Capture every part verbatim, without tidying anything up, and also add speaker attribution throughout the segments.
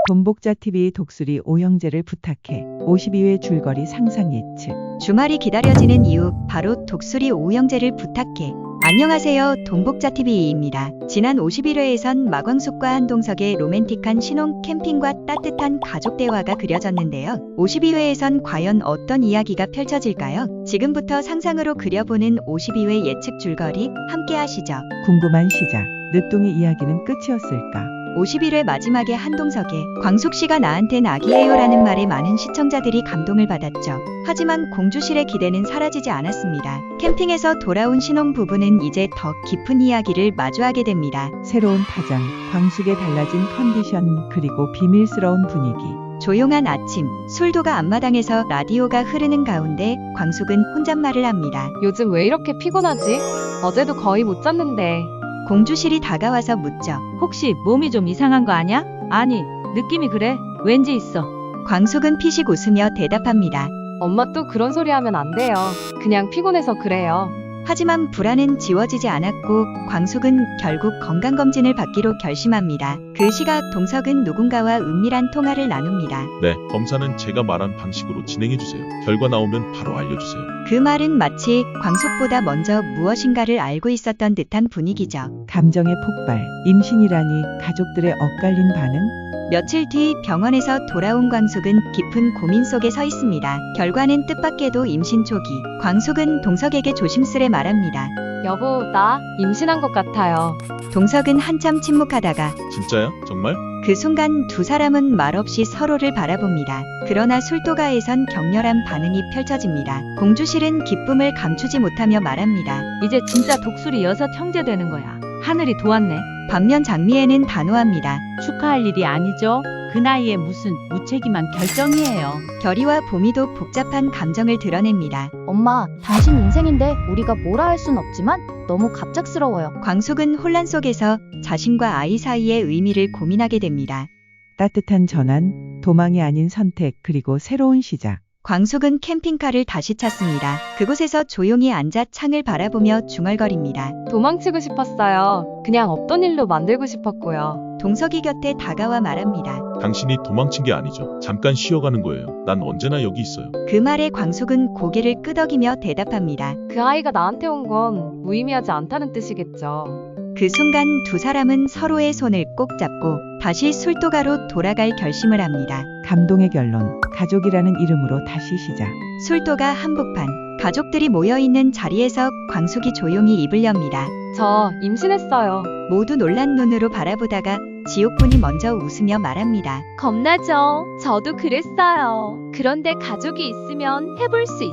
Speaker 1: 돈복자티비 독수리 오형제를 부탁해 오십이 회 줄거리 상상 예측.
Speaker 2: 주말이 기다려지는 이유, 바로 독수리 오형제를 부탁해. 안녕하세요, 돈복자티비입니다. 지난 오십일 회에선 마광숙과 한동석의 로맨틱한 신혼 캠핑과 따뜻한 가족 대화가 그려졌는데요. 오십이 회에선 과연 어떤 이야기가 펼쳐질까요? 지금부터 상상으로 그려보는 오십이 회 예측 줄거리 함께 하시죠.
Speaker 1: 궁금한 시작. 늦둥이 이야기는 끝이었을까?
Speaker 2: 오십일 회 마지막에 한동석의 광숙씨가 나한텐 아기예요라는 말에 많은 시청자들이 감동을 받았죠. 하지만 공주실의 기대는 사라지지 않았습니다. 캠핑에서 돌아온 신혼부부는 이제 더 깊은 이야기를 마주하게 됩니다.
Speaker 1: 새로운 파장, 광숙의 달라진 컨디션, 그리고 비밀스러운 분위기.
Speaker 2: 조용한 아침, 술도가 앞마당에서 라디오가 흐르는 가운데 광숙은 혼잣말을 합니다.
Speaker 3: 요즘 왜 이렇게 피곤하지? 어제도 거의 못 잤는데.
Speaker 2: 공주실이 다가와서 묻죠.
Speaker 4: 혹시 몸이 좀 이상한 거 아냐? 아니, 느낌이 그래. 왠지 있어.
Speaker 2: 광숙은 피식 웃으며 대답합니다.
Speaker 3: 엄마 또 그런 소리 하면 안 돼요. 그냥 피곤해서 그래요.
Speaker 2: 하지만 불안은 지워지지 않았고 광숙은 결국 건강검진을 받기로 결심합니다. 그 시각 동석은 누군가와 은밀한 통화를 나눕니다.
Speaker 5: 네, 검사는 제가 말한 방식으로 진행해주세요. 결과 나오면 바로 알려주세요.
Speaker 2: 그 말은 마치 광숙보다 먼저 무엇인가를 알고 있었던 듯한 분위기죠.
Speaker 1: 감정의 폭발, 임신이라니 가족들의 엇갈린 반응?
Speaker 2: 며칠 뒤 병원에서 돌아온 광숙은 깊은 고민 속에 서 있습니다. 결과는 뜻밖에도 임신 초기. 광숙은 동석에게 조심스레 말합니다.
Speaker 3: 여보, 나 임신한 것 같아요.
Speaker 2: 동석은 한참 침묵하다가
Speaker 5: 진짜야? 정말?
Speaker 2: 그 순간 두 사람은 말없이 서로를 바라봅니다. 그러나 술도가에선 격렬한 반응이 펼쳐집니다. 공주실은 기쁨을 감추지 못하며 말합니다.
Speaker 4: 이제 진짜 독수리 여섯 형제 되는 거야. 하늘이 도왔네.
Speaker 2: 반면 장미애는 단호합니다.
Speaker 4: 축하할 일이 아니죠. 그 나이에 무슨 무책임한 결정이에요.
Speaker 2: 결이와 보미도 복잡한 감정을 드러냅니다.
Speaker 6: 엄마, 당신 인생인데 우리가 뭐라 할 순 없지만 너무 갑작스러워요.
Speaker 2: 광숙은 혼란 속에서 자신과 아이 사이의 의미를 고민하게 됩니다.
Speaker 1: 따뜻한 전환, 도망이 아닌 선택, 그리고 새로운 시작.
Speaker 2: 광숙은 캠핑카를 다시 찾습니다. 그곳에서 조용히 앉아 창을 바라보며 중얼거립니다.
Speaker 3: 도망치고 싶었어요. 그냥 없던 일로 만들고 싶었고요.
Speaker 2: 동석이 곁에 다가와 말합니다.
Speaker 5: 당신이 도망친 게 아니죠. 잠깐 쉬어가는 거예요. 난 언제나 여기 있어요.
Speaker 2: 그 말에 광숙은 고개를 끄덕이며 대답합니다.
Speaker 3: 그 아이가 나한테 온 건 무의미하지 않다는 뜻이겠죠.
Speaker 2: 그 순간 두 사람은 서로의 손을 꼭 잡고 다시 술도가로 돌아갈 결심을 합니다.
Speaker 1: 감동의 결론, 가족이라는 이름으로 다시 시작.
Speaker 2: 술도가 한복판, 가족들이 모여있는 자리에서 광숙이 조용히 입을 엽니다.
Speaker 3: 저 임신했어요.
Speaker 2: 모두 놀란 눈으로 바라보다가 지옥분이 먼저 웃으며 말합니다.
Speaker 7: 겁나죠? 저도 그랬어요. 그런데 가족이 있으면 해볼 수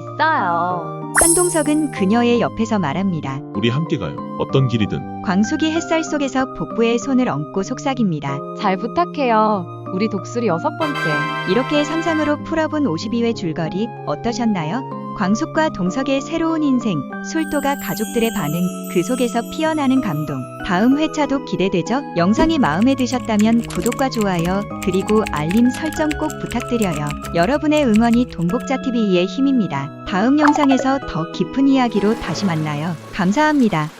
Speaker 7: 있어요.
Speaker 2: 한동석은 그녀의 옆에서 말합니다.
Speaker 5: 우리 함께 가요. 어떤 길이든.
Speaker 2: 광숙이 햇살 속에서 복부에 손을 얹고 속삭입니다.
Speaker 3: 잘 부탁해요. 우리 독수리 여섯 번째.
Speaker 2: 이렇게 상상으로 풀어본 오십이 회 줄거리 어떠셨나요? 광숙과 동석의 새로운 인생, 술도가 가족들의 반응, 그 속에서 피어나는 감동. 다음 회차도 기대되죠? 영상이 마음에 드셨다면 구독과 좋아요, 그리고 알림 설정 꼭 부탁드려요. 여러분의 응원이 돈복자티비의 힘입니다. 다음 영상에서 더 깊은 이야기로 다시 만나요. 감사합니다.